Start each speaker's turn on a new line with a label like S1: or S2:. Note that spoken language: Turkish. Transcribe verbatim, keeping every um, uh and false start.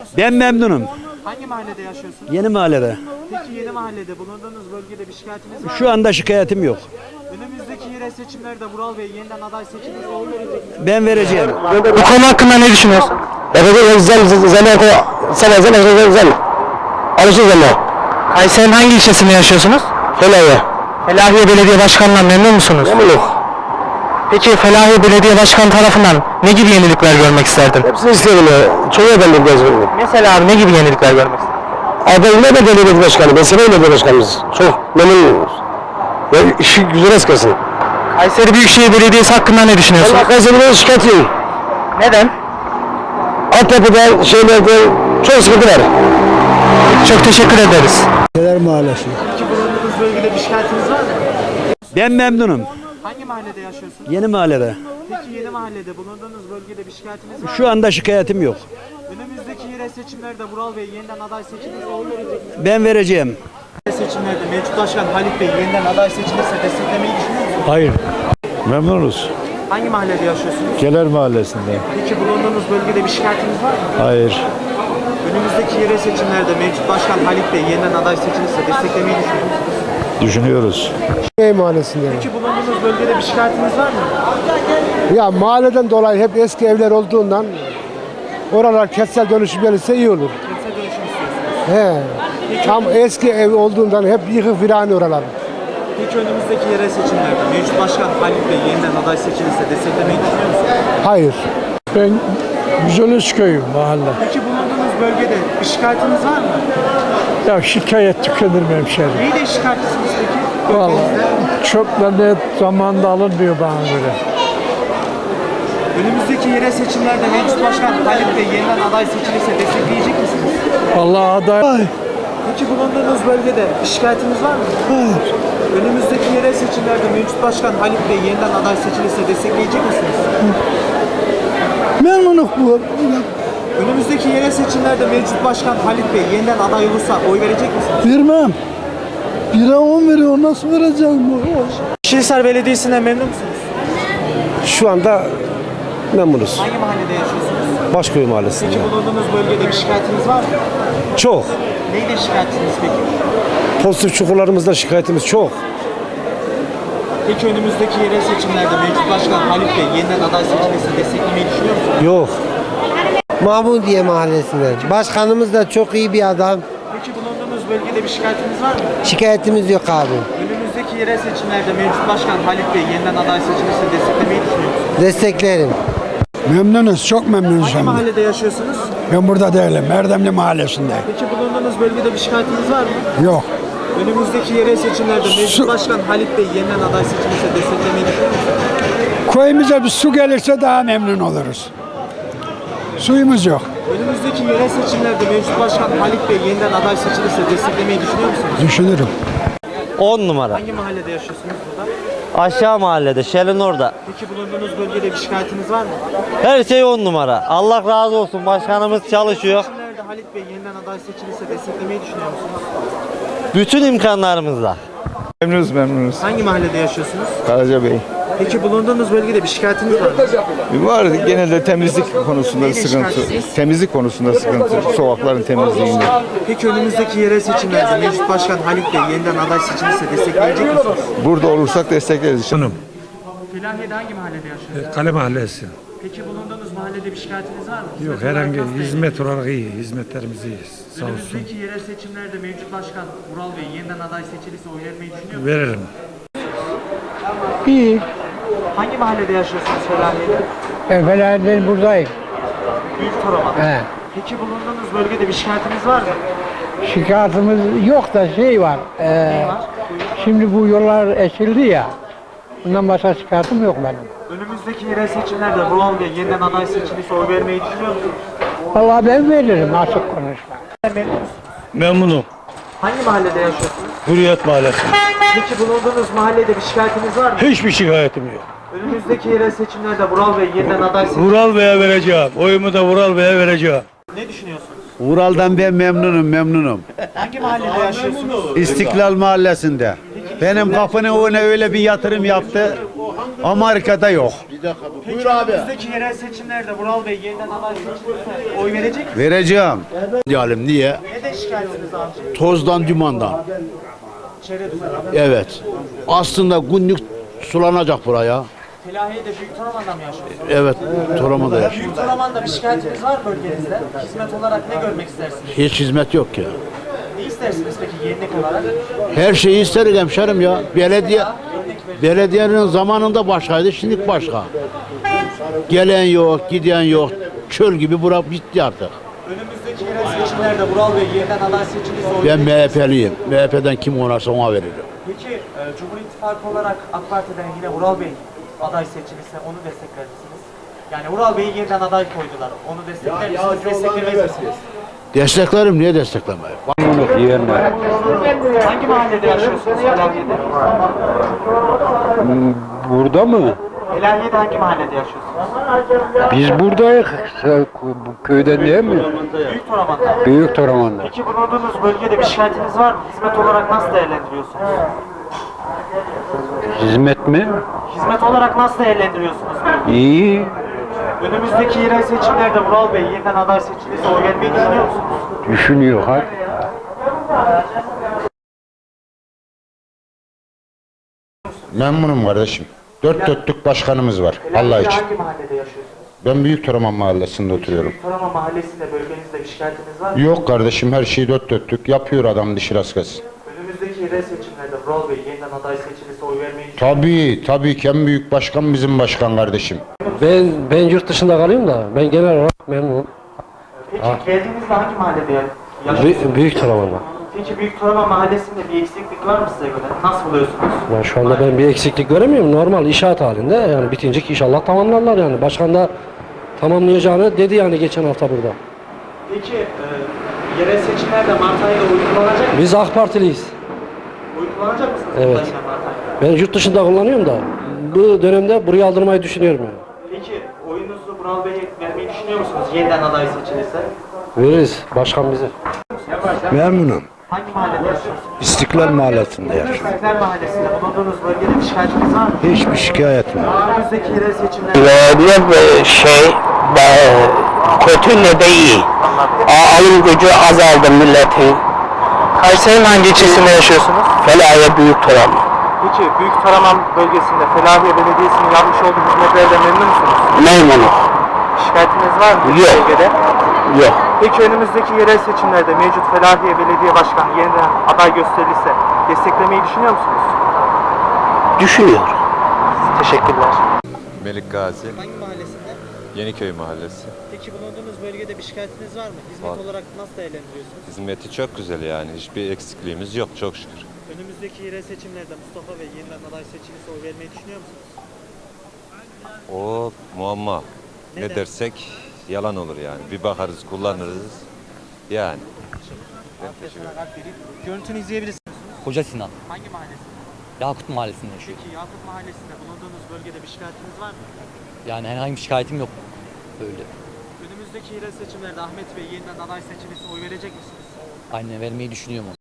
S1: Ben memnunum.
S2: Hangi mahallede yaşıyorsunuz?
S1: Yeni mahallede.
S2: Peki yeni mahallede bulunduğunuz bölgede bir şikayetiniz var mı?
S1: Şu anda şikayetim yok.
S2: Önümüzdeki yerel seçimlerde Vural Bey yeniden aday seçilirse oy verecek misiniz?
S1: Ben vereceğim.
S3: Bu konu hakkında ne düşünüyorsun?
S4: Evet, güzel, güzel, güzel, güzel, güzel. Alışırız ama.
S3: Kayseri'nin hangi ilçesinde yaşıyorsunuz?
S4: Felahiye.
S3: Felahiye Belediye Başkanı'ndan memnun musunuz?
S4: Memnunum.
S3: Peki Felahiye Belediye Başkanı tarafından ne gibi yenilikler görmek isterdin?
S4: Hepsini isterim ya. Çoğu efendim gözümün.
S3: Mesela abi ne gibi yenilikler görmek isterdin?
S4: Adayla da belediye başkanı. Ben severim belediye başkanımız. Çok memnunuz. Ya işi güzel eskasın.
S3: Kayseri Büyükşehir Belediyesi hakkında ne düşünüyorsun?
S4: Allah Kayseri'den şikayetçiyim.
S3: Neden?
S4: Altyapıda, şeylerde çok sıkıntı var.
S3: Çok teşekkür ederiz.
S1: Neler mahallesi?
S2: Peki bulunduğunuz bölgede bir şikayetiniz var mı?
S1: Ben memnunum.
S2: Hangi mahallede yaşıyorsunuz?
S1: Yeni mahallede.
S2: Peki yeni mahallede bulunduğunuz bölgede bir şikayetiniz var mı?
S1: Şu anda şikayetim yok.
S2: Önümüzdeki yerel seçimlerde Vural Bey yeniden aday seçilirse oy verecek misiniz?
S1: Ben vereceğim.
S2: Yerel seçimlerde mevcut başkan Halit Bey yeniden aday seçilirse desteklemeyi düşünüyor musunuz?
S5: Hayır. Memnunuz.
S2: Hangi mahallede yaşıyorsunuz?
S5: Geler Mahallesi'nde.
S2: Peki bulunduğunuz bölgede bir şikayetiniz var mı?
S5: Hayır.
S2: Önümüzdeki yerel seçimlerde mevcut başkan Halit Bey yeniden aday seçilirse desteklemeyi düşünüyor musunuz?
S5: Düşünüyoruz.
S6: Köy mahallesinde.
S2: Peki bulunduğunuz bölgede bir şikayetiniz var mı?
S6: Ya mahalleden dolayı hep eski evler olduğundan oralar kentsel dönüşüm gelirse iyi olur.
S2: Kentsel dönüşüm istiyorsunuz.
S6: He. Tam eski ev olduğundan hep yıkık virane oralar.
S2: Peki önümüzdeki yerel seçimlerde mevcut başkan Halit Bey yeniden aday seçilirse desteklemeyi düşünüyor musunuz?
S6: Hayır.
S5: Ben Güzeliz köyüm mahalle.
S2: Peki bulunduğunuz bölgede bir şikayetiniz var mı?
S5: Ya şikayet tükenir mi hemşehrim?
S2: Neyle şikayetçisiniz peki?
S5: Vallahi
S2: Bölgenizde.
S5: çöpler net zamanında alınmıyor bana göre.
S2: Önümüzdeki yerel seçimlerde mevcut başkan Halit Bey yeniden aday seçilirse destekleyecek misiniz?
S5: Vallahi aday...
S2: Peki bulunduğunuz bölgede bir şikayetiniz var mı?
S5: Hayır.
S2: Önümüzdeki yerel seçimlerde mevcut başkan Halit Bey yeniden aday seçilirse destekleyecek misiniz?
S5: Memnunum bu.
S2: Önümüzdeki yerel seçimlerde mevcut başkan Halit Bey yeniden aday olursa oy verecek misiniz?
S5: Vermem. Bire on veriyor, nasıl vereceğim bu?
S2: Şirinhisar Belediyesi'nden memnun musunuz?
S4: Şu anda memnunuz.
S2: Hangi mahallede yaşıyorsunuz?
S4: Başköy Mahallesi'nde.
S2: Peki bulunduğunuz bölgede bir şikayetiniz var mı?
S4: Çok.
S2: Neyle şikayetçisiniz peki?
S4: Pozitif çukurlarımızda şikayetimiz çok.
S2: Peki önümüzdeki yerel seçimlerde mevcut başkan Halit Bey yeniden aday seçilirse desteklemeyi düşünüyor musunuz?
S4: Yok.
S7: Mahmudiye Mahallesi'nde. Başkanımız da çok iyi bir adam.
S2: Peki bulunduğunuz bölgede bir şikayetiniz var mı?
S7: Şikayetimiz yok abi.
S2: Önümüzdeki yerel seçimlerde mevcut başkan Halit Bey yeniden aday seçilirse desteklemeyi düşünüyor musunuz?
S7: Desteklerim.
S6: Memnunuz, çok memnunuz.
S2: Hangi mahallede yaşıyorsunuz?
S6: Ben burada değilim, Erdemli Mahallesi'nde.
S2: Peki bulunduğunuz bölgede bir şikayetiniz var mı?
S6: Yok.
S2: Önümüzdeki yerel seçimlerde mevcut başkan Halit Bey yeniden aday seçilirse desteklemeyi düşünüyor musunuz?
S6: Köyümüze bir su gelirse daha memnun oluruz. Suyumuz yok.
S2: Önümüzdeki yerel seçimlerde mevcut başkan Halit Bey yeniden aday seçilirse desteklemeyi düşünüyor musunuz?
S6: Düşünürüm.
S8: on numara.
S2: Hangi mahallede yaşıyorsunuz burada?
S8: Aşağı mahallede, Şelin orada.
S2: Peki bulunduğunuz bölgede bir şikayetiniz var mı?
S8: Her şey on numara. Allah razı olsun. Başkanımız çalışıyor.
S2: Seçimlerde Halit Bey yeniden aday seçilirse desteklemeyi düşünüyor musunuz?
S8: Bütün imkanlarımızla.
S5: Memnunuz memnunuz.
S2: Hangi mahallede yaşıyorsunuz?
S5: Karaca Bey.
S2: Peki bulunduğunuz bölgede bir şikayetiniz var mı?
S5: Var genelde temizlik konusunda
S2: Neyle
S5: sıkıntı.
S2: şikayetçisiniz?
S5: Temizlik konusunda sıkıntı. Sokakların temizliğinde.
S2: Peki önümüzdeki yerel seçimlerde mevcut başkan Halit Bey yeniden aday seçilirse destekleyecek misiniz?
S5: Burada olursak destekleriz.
S2: Felahiye'de hangi mahallede yaşıyorsunuz?
S9: Kale Mahallesi.
S2: Peki bulunduğunuz mahallede bir şikayetiniz var mı?
S9: Yok,
S2: Hizmet
S9: herhangi
S2: olarak nasıl
S9: hizmet olarak iyi. Hizmetlerimiz iyi. Sağ olsun.
S2: Önümüzdeki yerel seçimlerde mevcut başkan Vural Bey yeniden aday seçilirse oy vermeyi düşünüyor musunuz?
S9: Veririm.
S6: İyi.
S2: Hangi mahallede yaşıyorsunuz Felahiye'de?
S6: Evvela ben buradayım.
S2: Büyük Torama'da.
S6: He.
S2: Peki bulunduğunuz bölgede bir şikayetiniz var mı?
S6: Şikayetimiz yok da şey var. E,
S2: Ne var?
S6: şimdi bu yollar eşildi ya. Bundan başka şikayetim yok benim.
S2: Önümüzdeki yerel seçimlerde Vural Bey yeniden aday seçilirse oy vermeyi düşünüyor musunuz?
S6: Vallahi ben veririm, açık konuşma.
S2: Memnun musunuz?
S5: Memnunum.
S2: Hangi mahallede yaşıyorsunuz?
S5: Hürriyet Mahallesi.
S2: Peki bulunduğunuz mahallede bir şikayetiniz var mı?
S5: Hiçbir şikayetim yok.
S2: Önümüzdeki yerel seçimlerde Vural Bey yeniden aday seçilirse
S5: Vural Bey'e vereceğim. Oyumu da Vural Bey'e vereceğim.
S2: ne düşünüyorsunuz?
S1: Vural'dan ben memnunum, memnunum.
S2: Hangi mahallede yaşıyorsunuz?
S1: İstiklal Mahallesi'nde. Benim kapının önüne öyle bir yatırım yaptı. Amerika'da yok.
S10: Bir dakika. bu.
S2: Peki
S10: Buyur abi.
S2: önümüzdeki yerel seçimlerde Vural Bey yeniden aday seçilirse oy verecek misiniz?
S1: Vereceğim. Diyelim niye?
S2: Ne de şikayetiniz amca?
S1: Tozdan, dumandan.
S2: Çevre düzeni.
S1: Evet. Aslında günlük sulanacak buraya.
S2: Felahiye'de Büyük Toraman'da mı yaşıyorsunuz?
S1: Evet. Toramada yaşıyor.
S2: Büyük Toraman'da bir şikayetiniz var mı bölgenizde? Hizmet olarak ne görmek istersiniz?
S1: Hiç hizmet yok ki.
S2: Ne istersiniz peki yenilik olarak?
S1: Her şeyi isterim hemşerim ya. Belediye belediyenin zamanında başkaydı, şimdi başka. Gelen yok, giden yok. Çöl gibi bura bitti artık.
S2: Önümüzdeki yerel seçimlerde Vural Bey yeniden aday seçilirse oy
S1: Ben
S2: verecek misiniz?
S1: M H P'liyim. M H P'den kim oynarsa ona veririm.
S2: Peki e, Cumhur İttifakı olarak AK Parti'den yine Vural Bey aday seçilirse onu destekler misiniz? Yani Vural Bey'i yeniden aday koydular. Onu destekler misiniz? Desteklemez misiniz?
S1: Desteklerim, niye desteklemeyim?
S2: Hangi mahallede yaşıyorsunuz Felahiye'de?
S4: Burada mı?
S2: Felahiye'de hangi mahallede yaşıyorsunuz?
S4: Biz buradayız. Köyden değil mi?
S2: Büyük Toraman'da.
S4: Büyük Toraman'da.
S2: Peki bulunduğunuz bölgede bir şikayetiniz var mı? Hizmet olarak nasıl değerlendiriyorsunuz?
S4: Hizmet mi?
S2: Hizmet olarak nasıl değerlendiriyorsunuz bölgeyi?
S4: İyi.
S2: Önümüzdeki yerel seçimlerde Vural Bey yeniden aday seçilirse oy vermeyi düşünüyor musunuz?
S4: Düşünüyor ha.
S10: Memnunum kardeşim. Dört dörtlük başkanımız var. Allah için.
S2: Hangi mahallede yaşıyorsunuz?
S10: Ben Büyük Toraman Mahallesi'nde oturuyorum.
S2: Toraman Mahallesi'nde bölgenizde bir şikayetiniz var mı?
S10: Yok kardeşim, her şeyi dört dörtlük yapıyor adam, dişi rast gelsin.
S2: Önümüzdeki yerel seçimlerde Vural Bey yeniden aday seçilirse oy vermeyi düşünüyor musunuz?
S10: Tabii tabii ki en büyük başkan bizim başkan kardeşim.
S4: Ben ben yurt dışında kalıyorum da ben genel olarak memnunum.
S2: Peki geldiğinizde hangi mahallede ya- yaşıyorsunuz?
S4: Büyük Toraman'da.
S2: Peki Büyük Toraman Mahallesi'nde bir eksiklik var mı size göre? Nasıl buluyorsunuz?
S4: Yani şu anda ben bir eksiklik göremiyorum. Normal inşaat halinde. Yani bitince inşallah tamamlarlar yani. Başkan da tamamlayacağını dedi yani geçen hafta burada.
S2: Peki e, yerel seçimlerde Mart ayında oy kullanacak mısınız?
S4: Biz AK Partiliyiz.
S2: Oy kullanacak mısınız?
S4: Evet.
S2: burada yine Mart ayında?
S4: Ben yurt dışında kullanıyorum da bu dönemde buraya aldırmayı düşünüyorum yani.
S2: Peki oyunuzu Vural Bey'e vermeyi düşünüyor musunuz? Yeniden aday seçilirse.
S4: Veririz. Başkan bize.
S1: Memnunum.
S2: Hangi mahallede yaşıyorsunuz?
S1: İstiklal Mahallesi'nde yaşıyorum.
S2: İstiklal Mahallesi'nde bulunduğunuz bölgede bir şikayetiniz var mı?
S1: Hiçbir şikayetim yok.
S2: Önümüzdeki yerel seçimlerde
S3: Belediye şey kötü ne de iyi. Alım gücü azaldı milletin. Kayseri'nin hangi ilçesinde yaşıyorsunuz? Felahiye Büyük Toraman.
S2: Peki Büyük Toraman bölgesinde Felahiye Belediyesi'nin yapmış olduğu hizmetlerden memnun musunuz?
S3: Memnunum.
S2: Şikayetiniz var mı? bu
S3: Yok.
S2: Bölgede?
S3: Yok.
S2: Peki önümüzdeki yerel seçimlerde mevcut Felahiye Belediye Başkanı yeniden aday gösterilirse desteklemeyi düşünüyor musunuz?
S3: Düşünüyor.
S2: Teşekkürler.
S11: Melik Gazi,
S2: Hangi mahallesinde?
S11: Yeniköy Mahallesi.
S2: Peki bulunduğunuz bölgede bir şikayetiniz var mı? Hizmet
S11: Var.
S2: olarak nasıl değerlendiriyorsunuz?
S11: Hizmeti çok güzel yani. Hiçbir eksikliğimiz yok çok şükür.
S2: Önümüzdeki yerel seçimlerde Mustafa Bey yeniden aday seçilirse oy vermeyi düşünüyor musunuz?
S11: O muamma.
S2: Neden?
S11: Ne dersek yalan olur yani. Bir bakarız, kullanırız. Yani.
S2: Görüntünü izleyebilirsiniz.
S12: Koca Sinan.
S2: Hangi mahallesinde?
S12: Yakut Mahallesi'nde yaşıyor.
S2: Peki Yakup Mahallesi'nde bulunduğunuz bölgede bir şikayetiniz var mı?
S12: Yani herhangi bir şikayetim yok. Böyle.
S2: Önümüzdeki yerel seçimlerde Ahmet Bey yeniden aday seçilirse oy verecek misiniz?
S12: Aynen vermeyi düşünüyorum onu.